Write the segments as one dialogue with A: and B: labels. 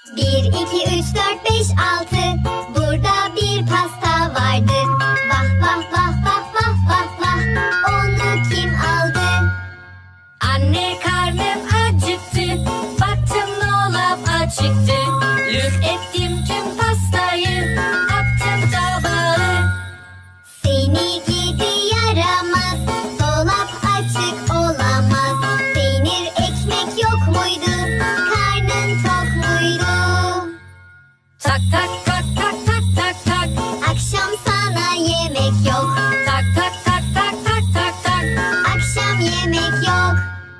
A: 1, 2, 3, 4, 5, 6. Burada bir pasta vardı. Vah vah vah vah vah vah vah. Onu kim aldı?
B: Anne, karnım acıktı. Baktım dolap açıktı. Lüf ettim tüm pastayı. Attım tabağı.
A: Seni gidi yaramaz. Dolap açık olamaz. Peynir ekmek yok muydu? Karnın tok muydu?
B: Tak tak tak tak tak tak tak.
A: Akşam sana yemek yok.
B: Tak tak tak tak tak tak tak.
A: Akşam yemek yok.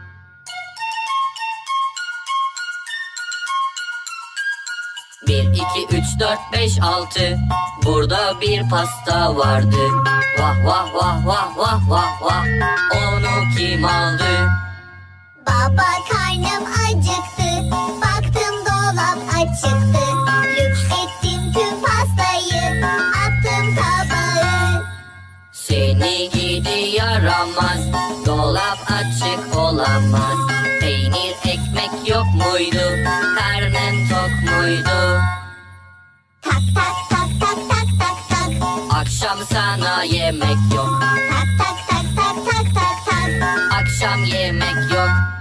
B: Bir, iki, üç, dört, beş, altı. Burada bir pasta vardı. Vah vah vah vah vah vah vah. Onu kim aldı?
A: Baba, karnım acıktı. Baktım dolap açıktı. Lüks ettim tüm pastayı. Attım tabağı.
B: Seni gidi yaramaz. Dolap açık olamaz. Peynir ekmek yok muydu? Karnın tok muydu?
A: Tak tak tak tak tak tak tak.
B: Akşam sana yemek yok.
A: Tak tak tak tak tak tak tak.
B: Akşam yemek yok.